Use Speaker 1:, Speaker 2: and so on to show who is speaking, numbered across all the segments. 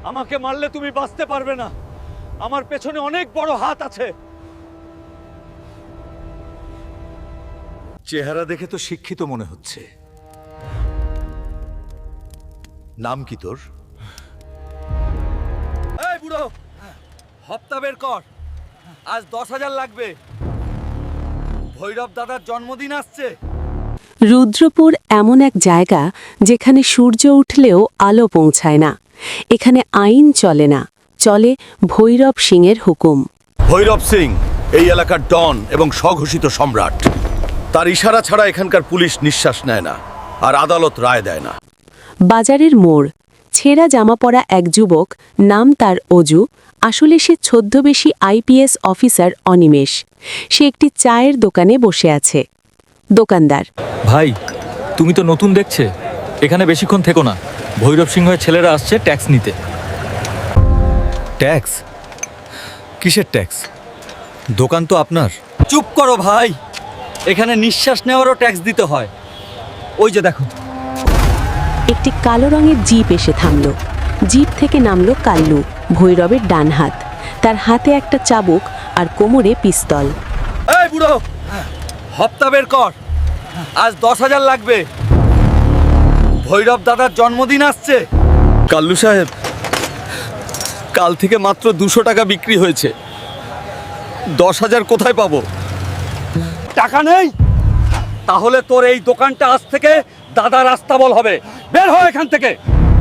Speaker 1: আমাকে মারলে তুমি বাঁচতে পারবে না। আমার পেছনে অনেক বড় হাত আছে।
Speaker 2: চেহারা দেখে তো শিক্ষিত মনে হচ্ছে। নাম কি তোর?
Speaker 1: এই বুড়ো, হপ্তা বের কর। আজ 10,000 লাগবে। ভৈরব দাদার জন্মদিন আসছে।
Speaker 3: রুদ্রপুর এমন এক জায়গা যেখানে সূর্য উঠলেও আলো পৌঁছায় না। এখানে আইন চলে না, চলে ভৈরব সিংয়ের হুকুম।
Speaker 2: ভৈরব সিং এই এলাকার ডন এবং স্বঘোষিত সম্রাট। তার ইশারা ছাড়া এখানকার পুলিশ নিঃশ্বাস নেয় না, আর আদালত রায় দেয় না।
Speaker 3: বাজারের মোড়, ছেঁড়া জামা পরা এক যুবক, নাম তার অজু। আসলে সে ছদ্মবেশী আইপিএস অফিসার অনিমেষ। সে একটি চায়ের দোকানে বসে আছে। দোকানদার:
Speaker 4: ভাই, তুমি তো নতুন দেখছে, এখানে বেশিক্ষণ থেকো না। ভৈরব সিংহের ছেলেরা আসছে ট্যাক্স নিতে।
Speaker 5: ট্যাক্স? কিসের ট্যাক্স? দোকান তো আপনার।
Speaker 1: চুপ করো ভাই, এখানে নিঃশ্বাস নেওয়ারও ট্যাক্স দিতে হয়। ওই যে দেখো।
Speaker 3: একটি কালো রঙের জিপ এসে থামল। জিপ থেকে নামল কাল্লু, ভৈরবের ডান হাত। তার হাতে একটা চাবুক আর কোমরে পিস্তল।
Speaker 1: এই বুড়ো, হপ্তা বের কর। আজ 10,000 লাগবে। ভৈরব দাদার জন্মদিন আসছে।
Speaker 2: কাল্লু সাহেব, কাল থেকে মাত্র 200 টাকা বিক্রি হয়েছে। 10,000 কোথায় পাবো?
Speaker 1: টাকা নেই? তাহলে তোর এই দোকানটা আজ থেকে দাদার আস্তাবল হবে। বের হ এখান থেকে।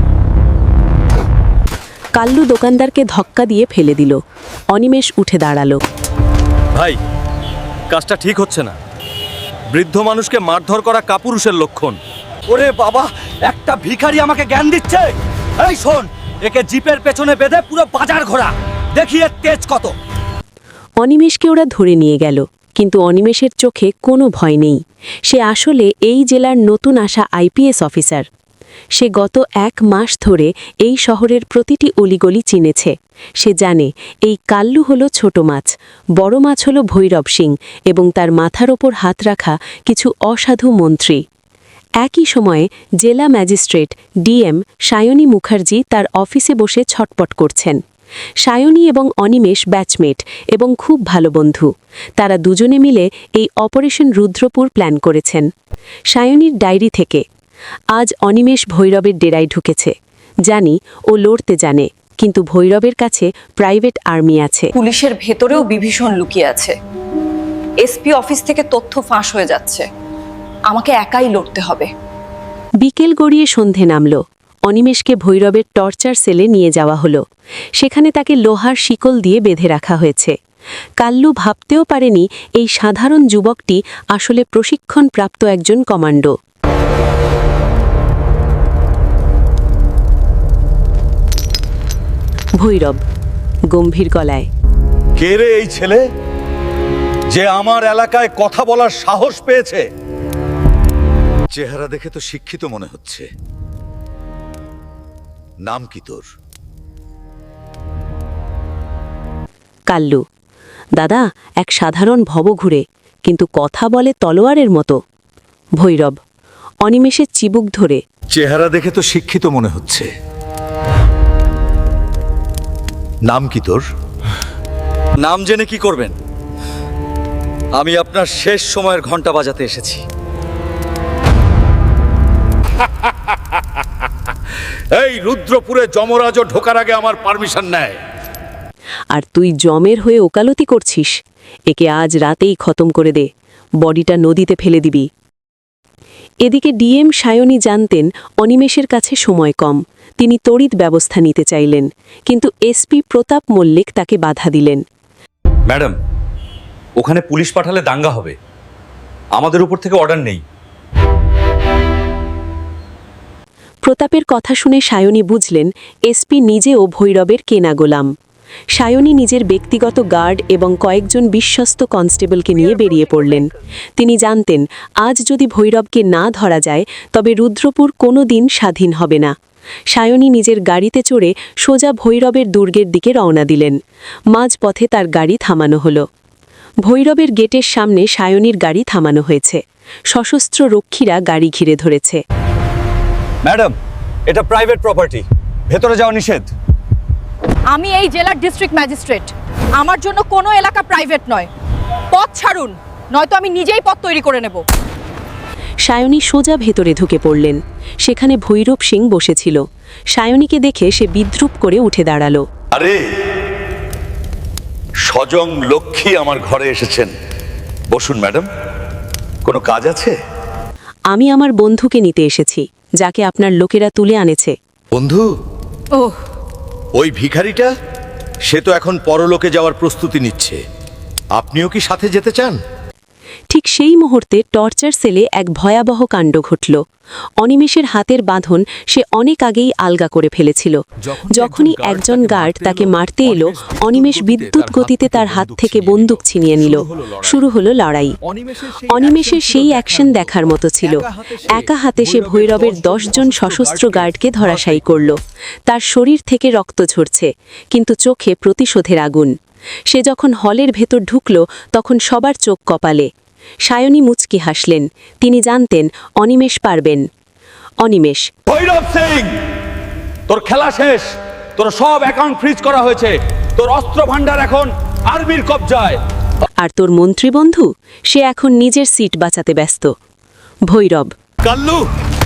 Speaker 3: কাল্লু দোকানদারকে ধক্কা দিয়ে ফেলে দিল। অনিমেষ উঠে দাঁড়ালো।
Speaker 2: ভাই, কাজটা ঠিক হচ্ছে না। বৃদ্ধ মানুষকে মারধর করা কাপুরুষের লক্ষণ।
Speaker 1: ওরে বাবা, একটা ভিখারি আমাকে জ্ঞান দিচ্ছে। এই শোন, একে জিপের পেছনে বেঁধে পুরো বাজার ঘোরা, দেখি এর তেজ কত।
Speaker 3: অনিমেষকে ওরা ধরে নিয়ে গেল, কিন্তু অনিমেষের চোখে কোনো ভয় নেই। সে আসলে এই জেলার নতুন আসা আইপিএস অফিসার। সে গত 1 মাস ধরে এই শহরের প্রতিটি অলিগলি চিনেছে। সে জানে এই কাল্লু হলো ছোট মাছ, বড় মাছ হলো ভৈরব সিং এবং তার মাথার ওপর হাত রাখা কিছু অসাধু মন্ত্রী। একই সময়ে জেলা ম্যাজিস্ট্রেট ডিএম সায়নী মুখার্জি তার অফিসে বসে ছটপট করছেন। সায়নী এবং অনিমেষ ব্যাচমেট এবং খুব ভালো বন্ধু। তারা দুজনে মিলে এই অপারেশন রুদ্রপুর প্ল্যান করেছেন। সায়নীর ডায়েরি থেকে: আজ অনিমেষ ভৈরবের ডেরায় ঢুকেছে। জানি ও লড়তে জানে, কিন্তু ভৈরবের কাছে প্রাইভেট আর্মি আছে।
Speaker 6: পুলিশের ভেতরেও বিভীষণ লুকিয়ে আছে। এসপি অফিস থেকে তথ্য ফাঁস হয়ে যাচ্ছে। আমাকে একাই লড়তে হবে।
Speaker 3: বিকেল গড়িয়ে সন্ধে নামল। অনিমেষকে ভৈরবের টর্চার সেলে নিয়ে যাওয়া হলো। সেখানে তাকে লোহার শিকল দিয়ে বেঁধে রাখা হয়েছে। কাল্লু ভাবতেও পারেনি এই সাধারণ যুবকটি আসলে প্রশিক্ষণপ্রাপ্ত একজন কমান্ডো। ভৈরব গম্ভীর গলায়:
Speaker 2: কে রে এই ছেলে, যে আমার এলাকায় কথা বলার সাহস পেয়েছে? চেহারা দেখে তো শিক্ষিত মনে হচ্ছে। নাম কি তোর?
Speaker 3: কাল্লু: দাদা, এক সাধারণ ভবঘুরে, কিন্তু কথা বলে তলোয়ারের মতো। ভৈরব অনিমেষের চিবুক ধরে:
Speaker 2: চেহারা দেখে তো শিক্ষিত মনে হচ্ছে। নাম কি তোর?
Speaker 1: নাম জেনে কি করবেন? আমি আপনার শেষ সময়ের ঘন্টা বাজাতে এসেছি।
Speaker 2: এই রুদ্রপুরে যমরাজও ঢোকার আগে আমার পারমিশন নেয়।
Speaker 3: আর তুই জমের হয়ে ওকালতি করছিস? একে আজ রাতেই খতম করে দে, বডিটা নদীতে ফেলে দিবি। এদিকে ডিএম সায়নী জানতেন অনিমেষের কাছে সময় কম। তিনি তড়িৎ ব্যবস্থা নিতে চাইলেন, কিন্তু এসপি প্রতাপ মল্লিক তাকে বাধা দিলেন।
Speaker 4: ম্যাডাম, ওখানে পুলিশ পাঠালে দাঙ্গা হবে। আমাদের উপর থেকে অর্ডার নেই।
Speaker 3: প্রতাপের কথা শুনে সায়নী বুঝলেন এসপি নিজেও ভৈরবের কেনা গোলাম। সায়নী নিজের ব্যক্তিগত গার্ড এবং কয়েকজন বিশ্বস্ত কনস্টেবলকে নিয়ে বেরিয়ে পড়লেন। তিনি জানতেন আজ যদি ভৈরবকে না ধরা যায় তবে রুদ্রপুর কোনো দিন স্বাধীন হবে না। সায়নী নিজের গাড়িতে চড়ে সোজা ভৈরবের দুর্গের দিকে রওনা দিলেন। মাঝপথে তার গাড়ি থামানো হলো। ভৈরবের গেটের সামনে সায়নীর গাড়ি থামানো হয়েছে। সশস্ত্র রক্ষীরা গাড়ি ঘিরে ধরেছে।
Speaker 5: ম্যাডাম, এটা প্রাইভেট প্রপার্টি, ভেতরে যাওয়া নিষেধ।
Speaker 6: আমি এই জেলার ডিস্ট্রিক্ট ম্যাজিস্ট্রেট। আমার জন্য কোনো এলাকা প্রাইভেট নয়। পথ ছাড়ুন, নয়তো আমি নিজেই পথ তৈরি করে নেব।
Speaker 3: সায়নী সোজা ভেতরে ঢুকে পড়লেন। সেখানে ভৈরব সিং বসেছিল। সায়নীকে দেখে সে বিদ্রুপ করে উঠে দাঁড়ালো।
Speaker 2: আরে সজং লক্ষ্মী আমার ঘরে এসেছেন। বসুন ম্যাডাম, কোনো কাজ আছে?
Speaker 3: আমি আমার বন্ধুকে নিতে এসেছি, যাকে আপনার লোকেরা তুলে আনেছে।
Speaker 2: বন্ধু?
Speaker 6: ওহ,
Speaker 2: ওই ভিখারিটা? সে তো এখন পরলোকে যাওয়ার প্রস্তুতি নিচ্ছে। আপনিও কি সাথে যেতে চান?
Speaker 3: ঠিক সেই মুহূর্তে টর্চার সেলে এক ভয়াবহ কাণ্ড ঘটল। অনিমেষের হাতের বাঁধন সে অনেক আগেই আলগা করে ফেলেছিল। যখনই একজন গার্ড তাকে মারতে এলো, অনিমেষ বিদ্যুৎ গতিতে তার হাত থেকে বন্দুক ছিনিয়ে নিল। শুরু হলো লড়াই। অনিমেষের সেই অ্যাকশন দেখার মতো ছিল। একা হাতে সে ভৈরবের 10 জন সশস্ত্র গার্ডকে ধরাশায়ী করল। তার শরীর থেকে রক্ত ঝরছে, কিন্তু চোখে প্রতিশোধের আগুন। সে যখন হলের ভেতর ঢুকল, তখন সবার চোখ কপালে। সায়নী মুচকি হাসলেন। তিনি জানতেন অনিমেষ পারবেন। অনিমেষ,
Speaker 1: ভৈরব সিং, তোর খেলা শেষ। তোর সব অ্যাকাউন্ট ফ্রিজ করা হয়েছে। তোর অস্ত্র ভান্ডার এখন আর্মির কবজায়।
Speaker 3: আর তোর মন্ত্রী বন্ধু, সে এখন নিজের সিট বাঁচাতে ব্যস্ত। ভৈরব,
Speaker 2: কাল্লু,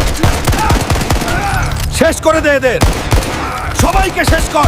Speaker 2: শেষ করে দে এদের, সবাইকে শেষ কর।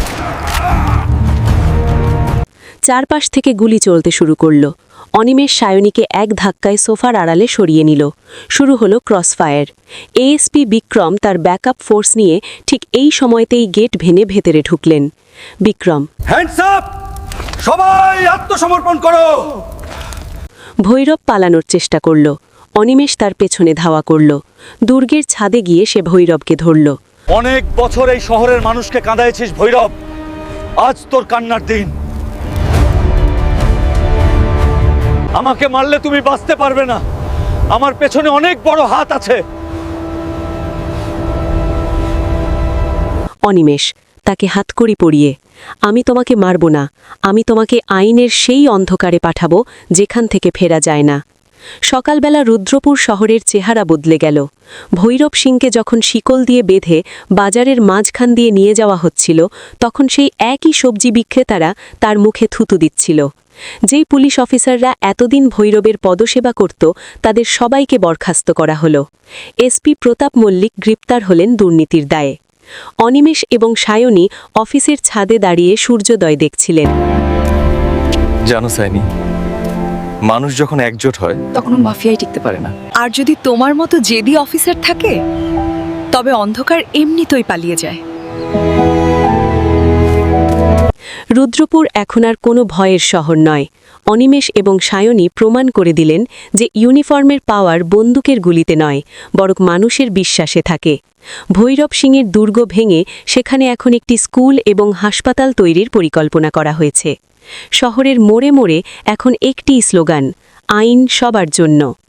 Speaker 3: চারপাশ থেকে গুলি চলতে শুরু করল। অনিমেষ সায়নীকে এক ধাক্কায় সোফার আড়ালে সরিয়ে নিল। শুরু হলো ক্রসফায়ার। এএসপি বিক্রম তার ব্যাকআপ ফোর্স নিয়ে ঠিক এই সময়তেই গেট ভেঙে ভেতরে ঢুকলেন। Vikram,
Speaker 1: hands up! সবাই আত্মসমর্পণ করো।
Speaker 3: ভৈরব পালানোর চেষ্টা করল। অনিমেষ তার পেছনে ধাওয়া করল। দুর্গের ছাদে গিয়ে সে ভৈরবকে ধরল।
Speaker 1: অনেক বছর এই শহরের মানুষকে কাঁদাইছিস ভৈরব। আজ তোর কান্নার দিন। আমাকে মারলে তুমি বাঁচতে পারবে না। আমার পেছনে অনেক বড় হাত আছে।
Speaker 3: অনিমেষ তাকে হাতকড়ি পরিয়ে, আমি তোমাকে মারব না, আমি তোমাকে আইনের সেই অন্ধকারে পাঠাবো যেখান থেকে ফেরা যায় না। সকালবেলা রুদ্রপুর শহরের চেহারা বদলে গেল। ভৈরব সিংকে যখন শিকল দিয়ে বেঁধে বাজারের মাঝখান দিয়ে নিয়ে যাওয়া হচ্ছিল, তখন সেই একই সবজি বিক্রেতারা তার মুখে থুতু দিচ্ছিল। যেই পুলিশ অফিসাররা এতদিন ভৈরবের পদসেবা করত, তাদের সবাইকে বরখাস্ত করা হলো। এসপি প্রতাপ মল্লিক গ্রেপ্তার হলেন দুর্নীতির দায়ে। অনিমেষ এবং সায়নী অফিসের ছাদে দাঁড়িয়ে সূর্যোদয় দেখছিলেন।
Speaker 5: জানো সাইনি, মানুষ যখন একজোট হয়
Speaker 6: তখনও মাফিয়াই টিকতে পারে না। আর যদি তোমার মতো জেদি অফিসার থাকে, তবে অন্ধকার এমনিতেই পালিয়ে যায়।
Speaker 3: রুদ্রপুর এখন আর কোনো ভয়ের শহর নয়। অনিমেষ এবং সায়নী প্রমাণ করে দিলেন যে ইউনিফর্মের পাওয়ার বন্দুকের গুলিতে নয়, বরং মানুষের বিশ্বাসে থাকে। ভৈরব সিংয়ের দুর্গ ভেঙে সেখানে এখন একটি স্কুল এবং হাসপাতাল তৈরির পরিকল্পনা করা হয়েছে। শহরের মোড়ে মোড়ে এখন একটি স্লোগান, আইন সবার জন্য।